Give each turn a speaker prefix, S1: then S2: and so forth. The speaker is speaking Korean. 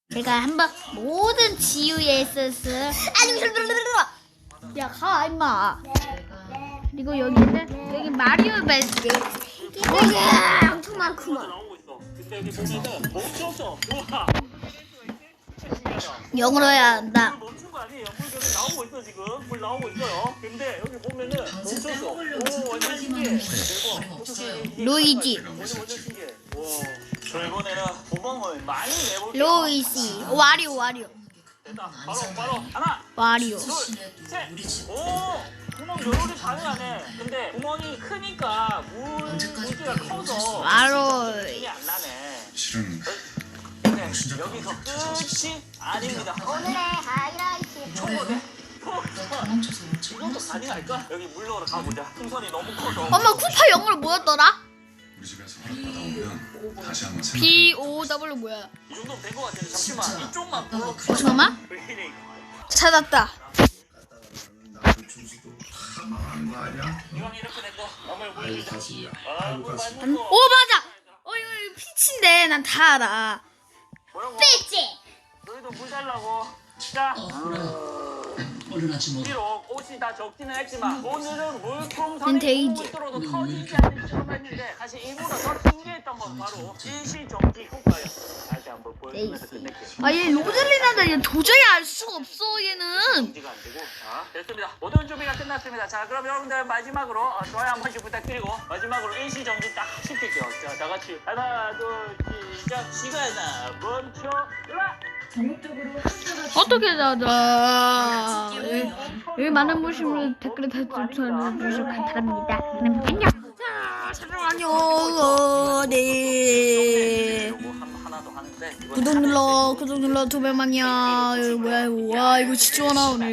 S1: 제가 한번 모든 지우의 SS 야 가 임마. 그리고 여기는 여기 마리오 베스트
S2: 엄청 많구만.
S3: 나오고 있어. 근데 여기 보면은 멈췄어. 우와.
S1: 영어로 해야 한다.
S3: 물 멈춘 거 아니에요? 물 계속 나오고 있어 지금. 물 나오고 있어요. 근데 여기 보면은 멈췄어. 오 완전 신기해. 대박.
S1: 루이지,
S3: 완전 신기해. 와. 저 이번에는 구멍을 많이 내볼게요.
S1: 로이시, 와리오,
S3: 됐다. 바로 하나.
S1: 와리오.
S3: 둘, 셋. 오! 구멍 요렇게 가능하네. 근데 구멍이 크니까 물기가 커서
S1: 바로
S3: 힘이 안 나네.
S4: 실은
S3: 근데 여기서 끝이 아닙니다.
S2: 오늘의 하이라이트.
S3: 초보네. 이것도 가능할까? 여기 물 넣으러 가보자. 풍선이 너무 커서.
S1: 엄마 쿠파 영어로 뭐였더라?
S4: 우리 집에서 허락받아오면 다시 한번 생각해.
S1: BOW 뭐야?
S3: 이 정도면 된 것 같은데 잠시만. 이쪽만 불러.
S1: 잠깐만.
S3: 왜 이래 이거?
S1: 찾았다.
S4: 나도 준수도 다 망하는 거 아니야?
S3: 이왕 이렇게 된 거. 아무리 물
S4: 아이고
S3: 주자.
S4: 가슴이야.
S3: 아,
S4: 아이고
S3: 물
S4: 가슴.
S3: 많이
S1: 오
S3: 먹어.
S1: 맞아. 이거 피치인데 난 다 알아.
S3: 뭐라고?
S2: 삐지.
S3: 너희도 물 달라고. 자.
S5: 얼른 하지 뭐.
S3: 비록 옷이 다 적지는 했지만 오늘은 물풍선이
S1: 난 데이지.
S3: 뚫어도 터지지 않는 실험을 했는데 사실 이보다 더 신기했던 건 바로 일시정지 효과예요. 다시 한번 보여주면서 끝낼게요.
S1: 아얘 로젤리나다. 얘 도저히 알 수가 없어 얘는.
S3: 정지가 안 되고. 자, 됐습니다. 모든 준비가 끝났습니다. 자, 그럼 여러분들 마지막으로 좋아요 한 번씩 부탁드리고 마지막으로 일시정지 딱 시킬게요. 자, 다 같이 하나, 둘, 시작. 시간아 멈춰라.
S1: 어떻게 찾아? 여기 많은 분들 댓글에 달아주시면 감사합니다. 그럼 안녕. 자, 잠깐만요. 네.
S3: 요거 하나 더 하는데 이건
S1: 구독 눌러 두 배만이야. 이거 뭐야 이거. 와 이거 진짜 나오네.